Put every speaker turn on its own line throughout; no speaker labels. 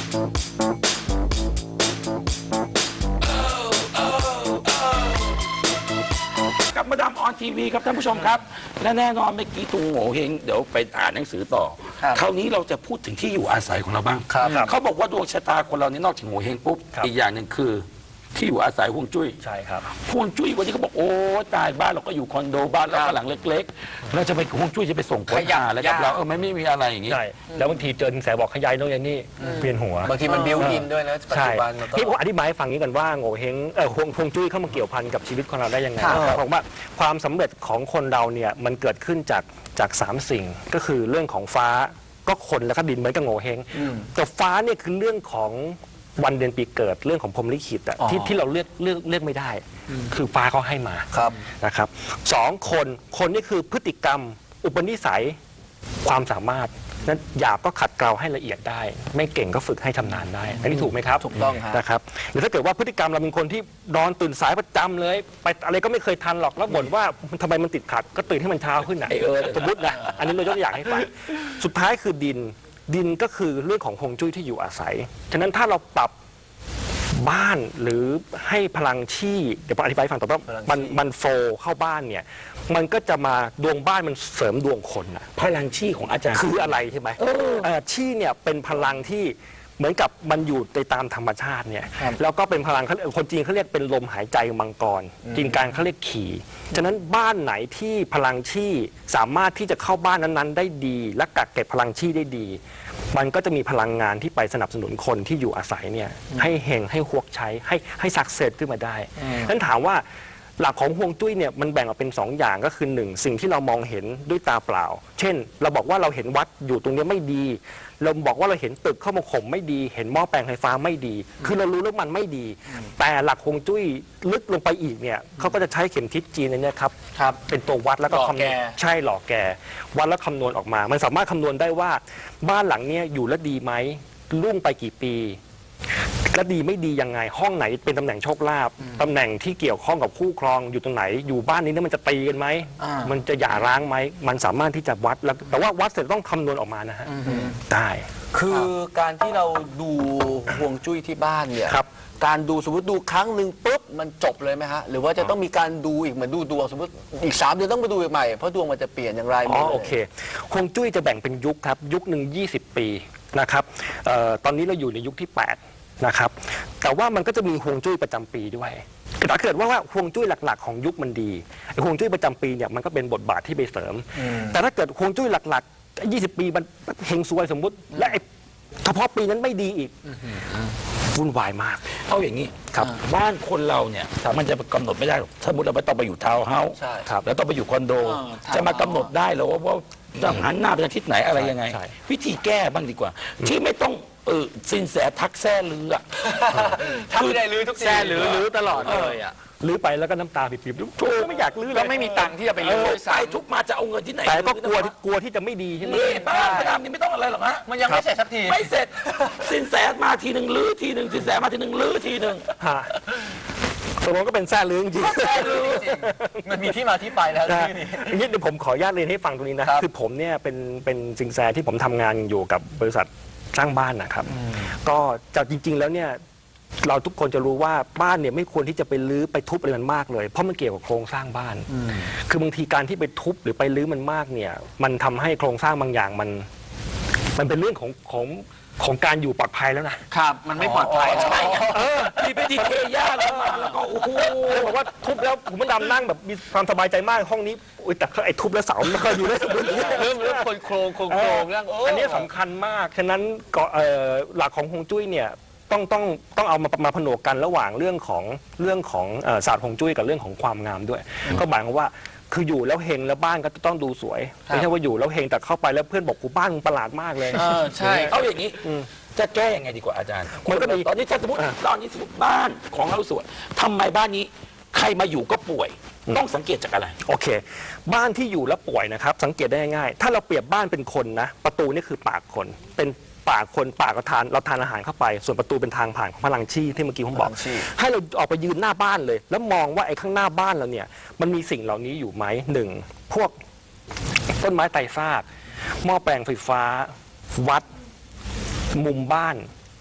กับมาดามออนทีวีครับท่านผู้ชมครับและแน่นอนเมื่อกี้ตุงโง่เฮงเดี๋ยวไปอ่านหนังสือต่อคราวนี้เราจะพูดถึงที่อยู่อาศัยของเราบ้างเขาบอกว่าดวงชะตาคนเรานี่นอกจากโง่เฮงปุ๊บอีกอย่างหนึ่งคือที่อยู่อาศัยห่วงจุ้ย
ใช่ครับ
ห่วงจุ้ยวันนี้เขาบอกโอ้ตายบ้านเราก็อยู่คอนโดบ้านเราก็หลังเล็กๆเราจะไปห่วงจุ้ยจะไปส่งผลอะไรกับเราไม่มีอะไรอย่างนี้
ใช่แล้วบางทีเจอสินแสบอกขยายโน่นนี่เปลี่ยนหัว
บางทีมันบิวอินด้วยนะปัจจุบัน
ที่ผมอธิบายให้ฟังนี้กันว่าโง่เฮงห่วงจุ้ยเข้ามาเกี่ยวพันกับชีวิตของเราได้ยังไงผมว่าความสำเร็จของคนเราเนี่ยมันเกิดขึ้นจาก3 สิ่งก็คือเรื่องของฟ้าก็คนแล้วก็ดินเหมือนกับโง่เฮงแต่ฟ้าเนี่ยคือเรื่องของวันเดือนปีเกิดเรื่องของพรหมลิขิตที่เราเลือกไม่ได้คือฟ้าเขาให้มานะครับ2คนนี่คือพฤติกรรมอุปนิสัยความสามารถนั้นหยาบก็ขัดเกลาให้ละเอียดได้ไม่เก่งก็ฝึกให้ชำนาญได้อันนี้ถูกไหมครับ
ถูกต้อง
นะครับหรือถ้าเกิดว่าพฤติกรรมเราเป็นคนที่นอนตื่นสายประจำเลยไปอะไรก็ไม่เคยทันหรอกแล้วบ่นว่าทำไมมันติดขัดก็ตื่นให้มันเช้าขึ้นนะสมมตินะอันนี้เรายกตัวอย่างให้ฟังสุดท้ายคือดินก็คือเรื่องของฮวงจุ้ยที่อยู่อาศัยฉะนั้นถ้าเราปรับบ้านหรือให้พลังชี่เดี๋ยวผมอธิบายฟังต่อว่ามันโฟเข้าบ้านเนี่ยมันก็จะมาดวงบ้านมันเสริมดวงคนอะ
พลังชี่ของอาจารย์
คืออะไรใช่ไหมชี่เนี่ยเป็นพลังที่เหมือนกับมันอยู่ในตามธรรมชาติเนี่ยแล้วก็เป็นพลังคนจีนเขาเรียกเป็นลมหายใจมังกรจีนกลางเขาเรียกขี่ฉะนั้นบ้านไหนที่พลังชี่สามารถที่จะเข้าบ้านนั้นๆได้ดีและกักเก็บพลังชี่ได้ดีมันก็จะมีพลังงานที่ไปสนับสนุนคนที่อยู่อาศัยเนี่ยให้เฮงให้ฮวกใช้ให้สักเซสขึ้นมาได้นั้นถามว่าหลักของฮวงจุ้ยเนี่ยมันแบ่งออกเป็น2 อย่างก็คือ 1สิ่งที่เรามองเห็นด้วยตาเปล่าเช่นเราบอกว่าเราเห็นวัดอยู่ตรงนี้ไม่ดีเราบอกว่าเราเห็นตึกเข้ามาข่มไม่ดีเห็นหม้อแปลงไฟฟ้าไม่ดีคือเรารู้แล้วมันไม่ดีแต่หลักฮวงจุ้ยลึกลงไปอีกเนี่ยเขาก็จะใช้เข็มทิศจีนเนี่ยครับเป็นตัววัดแล้วก็คำนวณใช่หล่อแกวัดแล้วคำนวณออกมามันสามารถคำนวณได้ว่าบ้านหลังเนี้ยอยู่แล้วดีไหมรุ่งไปกี่ปีและดีไม่ดียังไงห้องไหนเป็นตำแหน่งโชคลาภตำแหน่งที่เกี่ยวข้องกับคู่ครองอยู่ตรงไหนอยู่บ้านนี้เนี่ยมันจะตีกันไหมมันจะหย่าร้างไหมมันสามารถที่จะวัดแล้วแต่ว่าวัดเสร็จต้องคำนวณออกมานะฮะได้
คือการที่เราดูฮวงจุ้ยที่บ้านเนี่ยการดูสมมติดูครั้งหนึ่งปุ๊บมันจบเลยไหมฮะหรือว่าจะต้องมีการดูอีกเหมือนดูดวงสมมติอีก3 เดือนต้องไปดูอีกใหม่เพราะดวงมันจะเปลี่ยนอย่างไร
โอเคฮวงจุ้ยจะแบ่งเป็นยุคครับยุคหนึ่ง20 ปีนะครับตอนนี้เราอยู่ในยุคที่8นะครับแต่ว่ามันก็จะมีฮวงจุ้ยประจำปีด้วยถ้าเกิดว่าฮวงจุ้ยหลักๆของยุคมันดีฮวงจุ้ยประจำปีเนี่ยมันก็เป็นบทบาทที่ไปเสริมแต่ถ้าเกิดฮวงจุ้ยหลักๆ20 ปีมันเฮงซวยสมมุติและเฉพาะปีนั้นไม่ดีอีกวุ่นวายมาก
เอาอย่างนี้ครับบ้านคนเราเนี่ยมันจะกำหนดไม่ได้หรอกสมมติเราไปต้องไปอยู่ทาวน์เฮาส์แล้วต้องไปอยู่คอนโดจะมากำหนดได้หรอว่าต้องหันหน้าไปทางทิศไหนอะไรยังไงวิธีแก้บ้างดีกว่าที่ไม่ต้องสินแสทักแซ่ลืออ่ะ
ถ้าไม่ได้ลือทุกที
แซ่ลือตลอดเลยอ่ะลือไปแล้วก็น้ำตาปิบๆทุกไม่อยากลือ
แล้วไม่มีตังค์ที่จะไปลือ
ไปทุกมาจะเอาเงินที่ไหน
แต่ก็กลัวที่จะไม่ดีใช่ไหม
บ้านพระรามนี่ไม่ต้องอะไรหรอกฮะ
มันยังไม่เสร็จสักที
ไม่เสร็จสินแสมาทีหนึ่งลือทีหนึ่งสินแสมาทีหนึ่งลือทีหนึ่ง
ตกลงก็เป็นแซ่ลือจริง
มันมีที่มาที่ไปแล้ว
นี่เดี๋ยวผมขออนุญาตเรียนให้ฟังตรงนี้นะคือผมเนี่ยเป็นสินแสที่ผมทำงานอยู่กับบริษัทสร้างบ้านนะครับก็จากจริงๆแล้วเนี่ยเราทุกคนจะรู้ว่าบ้านเนี่ยไม่ควรที่จะไปรื้อไปทุบอะไรมันมากเลยเพราะมันเกี่ยวกับโครงสร้างบ้านคือบางทีการที่ไปทุบหรือไปรื้อมันมากเนี่ยมันทำให้โครงสร้างบางอย่างมันเป็นเรื่องของการอยู่ปลอดภัยแล้ว
นะครับมันไม่ปลอดภัย
ใช่มีไปดีเทย่าแล้วมาแล้วก็โอ้โห
บอกว่าทุบแล้วผมมันดำนั่งแบบมีความสบายใจมากห้องนี้แต่ไอ้ทุบแล้วเสาไม่เคยอยู่ได้
เริ่มโครงเรื่อง
อันนี้สำคัญมากฉะนั้นหลักของฮวงจุ้ยเนี่ยต้องเอามาผนวกกันระหว่างเรื่องของศาสตร์ฮวงจุ้ยกับเรื่องของความงามด้วยก็หมายความว่าคืออยู่แล้วเฮงแล้วบ้านก็ต้องดูสวยไม่ใช่ว่าอยู่แล้วเฮงแต่เข้าไปแล้วเพื่อนบอกกูบ้านมึงประหลาดมากเลย
ใช่เอาอย่างนี้จะแก้ยังไงดีกว่าอาจารย์มันก็มีตอนนี้ถ้าสมมติบ้านของเราสวยทำไมบ้านนี้ใครมาอยู่ก็ป่วยต้องสังเกตจากอะไร
โอเคบ้านที่อยู่แล้วป่วยนะครับสังเกตได้ง่ายถ้าเราเปรียบบ้านเป็นคนนะประตูนี่คือปากคนเป็นปากคนปากเราทานอาหารเข้าไปส่วนประตูเป็นทางผ่านของพลังชี่ที่เมื่อกี้ผมบอกให้เราออกไปยืนหน้าบ้านเลยแล้วมองว่าไอ้ข้างหน้าบ้านเราเนี่ยมันมีสิ่งเหล่านี้อยู่ไหม1พวกต้นไม้ไตรซากหม้อแปลงไฟฟ้าวัดมุมบ้าน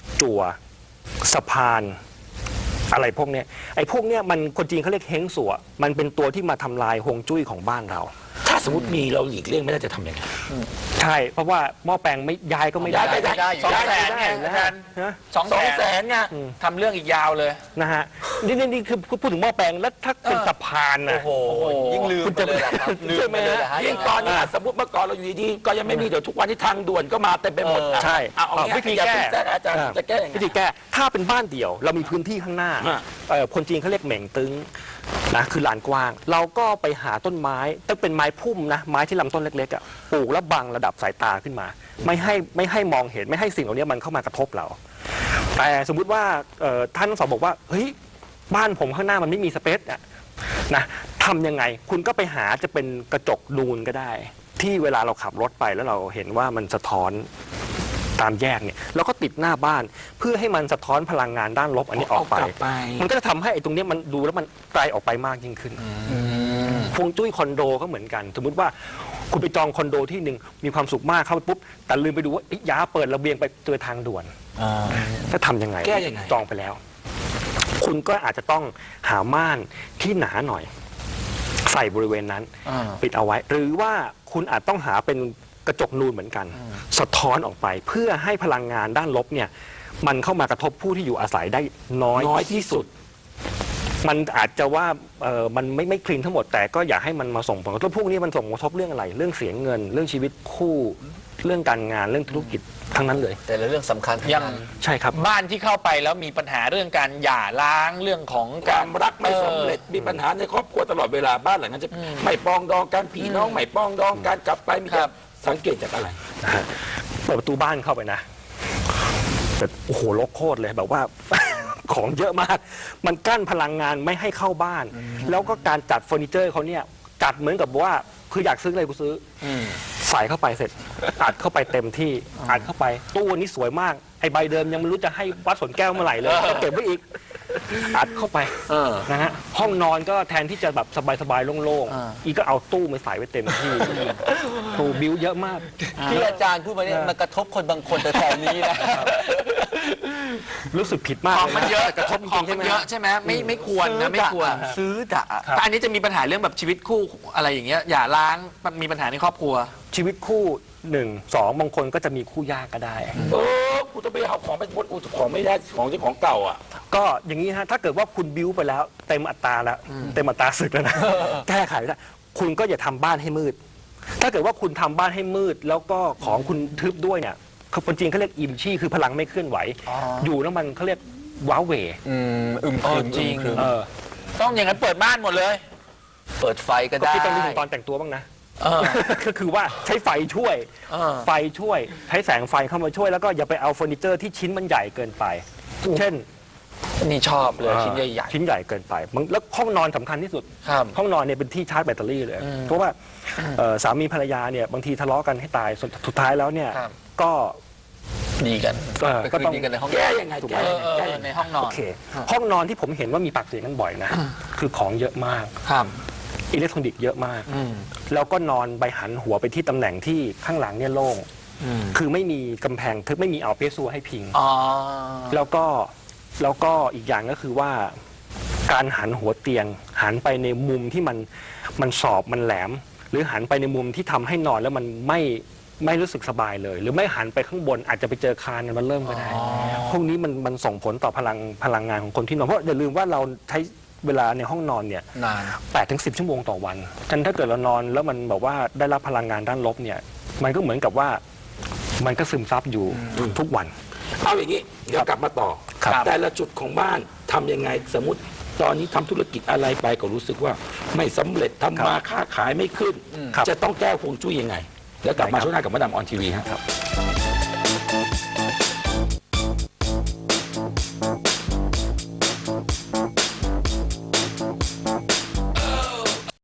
จั่วสะพานอะไรพวกเนี้ยไอ้พวกเนี้ยมันคนจีนเขาเรียกเฮงสัวมันเป็นตัวที่มาทำลายฮวงจุ้ยของบ้านเรา
ถ้าสมมติมีเราหลีกเลี่ยงไม่ได้จะทำยังไง
ใช่เพราะว่าหม้อแปลงไม่ย้ายก็ไม่ได้
ย้ายไปได้
ได้อยู่
200,000
ได้
ไง
นะ
อาจารย์
ฮะ
200,000ไงทำเรื่องอีกยาวเลย
นะฮะนี่คือพูดถึงหม้อแปลงแล้วถ้าเป็นสะพานนะ
โอ้โหยิ่งลืมไปเลยเหรอครับลืมไปเลยเหรอฮะ
ยิ่งตอนนี้สมมติเมื่อก่อนเราอยู่ดีๆก็ยังไม่มีเดี๋ยวทุกวันที่ทางด่วนก็มาเต็มไปหมดอ่ะ
ใช่
เอางี้
วิธี
อย่า
แก้
เพิ่งแทรกอาจารย์จะแก้ยังไง
วิธีแก้ถ้าเป็นบ้านเดี่ยว เรามีพื้นที่ข้างหน้า
ฮะ
คนจีนเขาเรียกเหม่งตึงนะคือลานกว้าง เราก็ไปหาต้นไม้ต้องเป็นไม้พุ่มนะไม้ที่ลำต้นเล็กๆอ่ะปลูกแล้วบังระดับสายตาขึ้นมา ไม่ให้มองเห็นไม่ให้สิ่งเหล่านี้มันเข้ามากระทบเรา แต่สมมุติว่าท่านทั้งสองบอกว่าเฮ้ยบ้านผมข้างหน้ามันไม่มีสเปซอะนะทำยังไงคุณก็ไปหาจะเป็นกระจกนูนก็ได้ ที่เวลาเราขับรถไปแล้วเราเห็นว่ามันสะท้อนตามแยกเนี่ยแล้วก็ติดหน้าบ้านเพื่อให้มันสะท้อนพลังงานด้านลบอันนี้ออกไป
เอากลับไป
มันก็จะทำให้ไอ้ตรงเนี้ยมันดูแล้วมันไกลออกไปมากยิ่งขึ้นฮวงจุ้ยคอนโดก็เหมือนกัน สมมุติว่าคุณไปจองคอนโดที่หนึ่งมีความสุขมากเข้าไปปุ๊บแต่ลืมไปดูว่าย้าเปิดระเบียงไปเจอทางด่วนถ้าทำยังไง
แก้ยังไง
จองไปแล้ว คุณก็อาจจะต้องหาม่านที่หนาหน่อย ใส่บริเวณนั้น ปิดเอาไว้ หรือว่าคุณอาจต้องหาเป็นกระจกนูนเหมือนกัน สะท้อนออกไปเพื่อให้พลังงานด้านลบเนี่ยมันเข้ามากระทบผู้ที่อยู่อาศัยได้น้อยที่สุด มันอาจจะว่ามันไม่คลีนทั้งหมดแต่ก็อย่าให้มันมาส่งผลกระทบพวกนี้มันส่งผลกระทบเรื่องอะไร เรื่องเสียเงิน เรื่องชีวิตคู่เรื่องการงานเรื่องธุรกิจทั้งนั้นเลย
แต่ละเรื่องสำคัญทั้ง
ยัง
นั้น
ใช่ครับ
บ้านที่เข้าไปแล้วมีปัญหาเรื่องการหย่าร้างเรื่องของ
ความรักไม่สำเร็จมีปัญหาในครอบครัวตลอดเวลาบ้านหลังนั้นจะไม่ปรองดองกันพี่น้องไม่ปรองดองกันกลับไปมีการสังเกตจากอะไร
นะฮะเปิดประตูบ้านเข้าไปนะแต่โอ้โหรกโคตรเลยแบบว่า ของเยอะมาก มันกั้นพลังงานไม่ให้เข้าบ้าน แล้วก็การจัดเฟอร์นิเจอร์เขาเนี่ยจัดเหมือนกับว่าคืออยากซื้ออะไรกูซื้ออใส่เข้าไปเสร็จ อัดเข้าไปเต็มที่อัดเข้าไปตู้นี้สวยมากไอ้ใบเดิมยังไม่รู้จะให้วัดสวนแก้วเมื่อไหร่เลยก็เก็บไว้อีกอัดเข้าไปนะฮะห้องนอนก็แทนที่จะแบบสบายๆโล่งๆอีกก็เอาตู้มาใส่ไว้เต็มที่ตู้บิวเยอะมาก
ที่อาจารย์พูดมาเนี่ยมันกระทบคนบางคนแต่แถวนี้นะ
รู้สึกผิดมาก
ของมันเยอะ
กระทบจ
ขอ
ริ
ง
งๆใช่ไหม
มันเยอะใช่ไหมไม่ควรนะไม่ควร
ซื้อด่า
แต่อันนี้จะมีปัญหาเรื่องแบบชีวิตคู่อะไรอย่างเงี้ยหย่าร้างมีปัญหาในครอบครัว
ชีวิตคู่1 2บางคนก็จะมีคู่ยากก็ได้
กูต้องไปเอาของไปบดกูของไม่ได้ของที่ของเก่าอ่ะ
ก็อย่างนี้ฮะถ้าเกิดว่าคุณบิ้วไปแล้วเต็มอัตราแล้วเต็มอัตราศึกแล้วนะ แก้ไขไม่ได้คุณก็อย่าทำบ้านให้มืด ถ้าเกิดว่าคุณทำบ้านให้มืด แล้วก็ของคุณทึบด้วยเนี่ยคนจีนเขาเรียกอิมชี่คือพลังไม่เคลื่อนไหว อยู่แล้วมันเขาเรียกว้าเหว
ครึม
จริง
ครึม
ต้องอย่างนั้นเปิดบ้านหมดเลย
เปิดไฟก็
ก็
ได้
คิดต้องนึกถึงตอนแต่งตัวบ้างนะ
เออ
ก็คือว่าใช้ไฟช่วย
เออ
ไฟช่วยใช้แสงไฟเข้ามาช่วยแล้วก็อย่าไปเอาเฟอร์นิเจอร์ที่ชิ้นมันใหญ่เกินไป เช่น
นี่ชอบเลยชิ้นใหญ่
ชิ้นใหญ่เกินไปแล้วห้องนอนสำคัญที่สุด
ๆครับ
ห้องนอนเนี่ยเป็นที่ชาร์จแบตเตอรี่เลย เพราะว่าสามีภรรยาเนี่ยบางทีทะเลาะกันให้ตายสุดท้ายแล้วเนี่ย
ครับ
ก็
ดีกัน
ก็ต้อง
คืนดีกันในห้อง
แก้ยังไง
ถูกไหม
แก้
เอ
ยังไงแก้ยังไง
อในห้องนอ
โอน เคห้องนอนที่ผมเห็นว่ามีปากเสียงกันบ่อยนะ คือของเยอะมาก
ครับ
อิเล็กทรอนิกส์เยอะมาก แล้วก็นอนไปหันหัวไปที่ตำแหน่งที่ข้างหลังเนี่ยโล่งคือไม่มีกำแพงทึบไม่มีเอาเพซัวให้พิง
อ๋อ
แล้วก็อีกอย่างก็คือว่าการหันหัวเตียง หันไปในมุมที่มันสอบมันแหลม หรือหันไปในมุมที่ทำให้นอนแล้วมันไม่รู้สึกสบายเลย หรือไม่หันไปข้างบนอาจจะไปเจอคานมันเริ่มก็ได้พวกนี้มันส่งผลต่อพลังงานของคนที่นอนเพราะอย่าลืมว่าเราใช้เวลาในห้องนอนเนี่ย
นาน
8-10 ชั่วโมงต่อวันฉะนั้นถ้าเกิดเรานอนแล้วมันบอกว่าได้รับพลังงานด้านลบเนี่ยมันก็เหมือนกับว่ามันก็ซึมซับอยู่ทุกวัน
เอาอย่างนี้เดี๋ยวกลับมาต่อ
ครับ
แต่ละจุดของบ้านทำยังไงสมมติตอนนี้ทำธุรกิจอะไรไปก็รู้สึกว่าไม่สำเร็จทำมาค้าขายไม่ขึ้น
ครับ
จะต้องแก้ฮวงจุ้ยยังไง แล้วกลับมาช่วงหน้ากับมาดามออนทีวีครับ